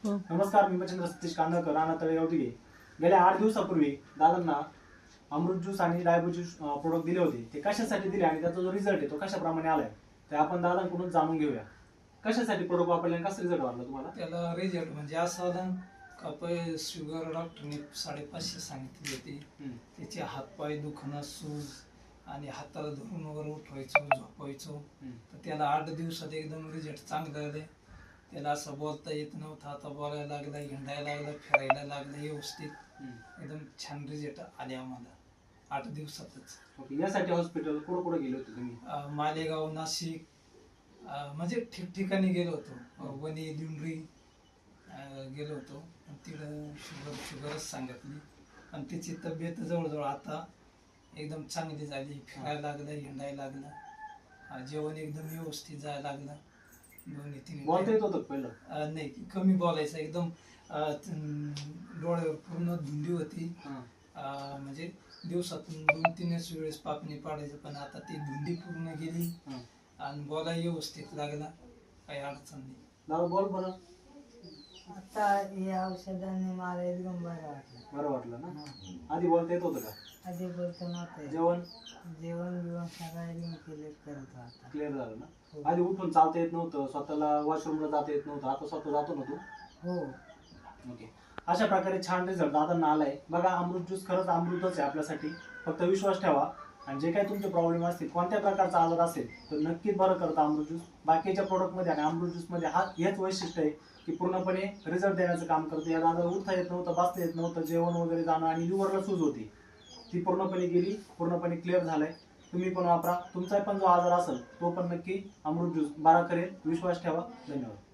नमस्कार, मी मच्छिंद्र सतीश कांदळकर, राणा तळेगाव दिघे. गेल्या 8 दिवसापूर्वी दादांना अमृत ज्यूस आणि डायबो ज्यूस प्रोडक्ट दिले होते. ते कशासाठी दिले आणि त्याचा जो रिझल्ट आहे तो कशाप्रमाणे आलाय ते आपण दादांकडून जाणून घेऊया. कशासाठी प्रोडक्ट वापरले आणि कसा रिझल्ट वाटला तुम्हाला? त्याला रिझल्ट म्हणजे असं आला का पहिले शुगर डॉक्टरने 550 सांगितली होती. त्याचे हातपाय दुखणं, सूज आणि हाताला धरून वगैरे उठवायचो, झोपायचो. तर त्याला 8 दिवसात एकदम रिझल्ट चांगले आले. त्याला असं बोलता येत नव्हतं, आता बोलायला लागला, हिंडायला लागला, फिरायला लागला व्यवस्थित. एकदम छान रिझल्ट आले आम्हाला 8 दिवसातच. यासाठी हॉस्पिटल कुठे गेले होते तुम्ही? मालेगाव, नाशिक, म्हणजे ठिकठिकाणी गेलो होतो. वणी, दिंडरी गेलो होतो. तिकडं शुगरच सांगितली आणि तिची तब्येत जवळजवळ आता एकदम चांगली झाली. फिरायला लागलं, हिंडायला लागलं, जेवण एकदम व्यवस्थित जायला लागलं. 2-3 बोलता येत होतं पहिलं? नाही, कमी बोलायचं. एकदम डोळ्यावर पूर्ण धुंदी होती. म्हणजे दिवसातून 2-3 वेळेस पापणी पाडायचं, पण आता ती धुंदी पूर्ण गेली आणि बोलायला व्यवस्थित लागला. काही अडचण नाही. दादा बोल बरं. आता या औषधाने मला एकदम बरं वाटलं ना? आधी बोलता येत होतं का? आधी बोलतो नव्हतं. जेवण बिवण सगळं एकदम क्लिअर करत होता. क्लिअर झालं ना? आधी उठून चालता येत नव्हतं, स्वतःला वॉशरूमला जाता येत नव्हतं, आता स्वतः जातो ना तू? हो. ओके. अशा प्रकारे छान रिझल्ट दादांना आलाय. बघा, अमृत ज्यूस खरंच अमृतच आहे आपल्यासाठी. फक्त विश्वास ठेवा आणि जे काही तुमचे प्रॉब्लेम असतील, कोणत्या प्रकारचा आजार असेल तर नक्कीच बरं करतं अमृत ज्यूस. बाकीच्या प्रोडक्टमध्ये आणि अमृत ज्यूसमध्ये हेच वैशिष्ट्य आहे की पूर्णपणे रिझल्ट देण्याचं काम करतं. या दादाला उठता येत नव्हतं, बसता येत नव्हतं, जेवण वगैरे जाणं आणि लिव्हरला सूज होती, ती पूर्णपणे गेली, पूर्णपणे क्लिअर झालंय. तुम्ही पण वापरा. तुमचा पण जो आजार असेल तो पण नक्की अमृत ज्यूस बरा करेल. विश्वास ठेवा. धन्यवाद.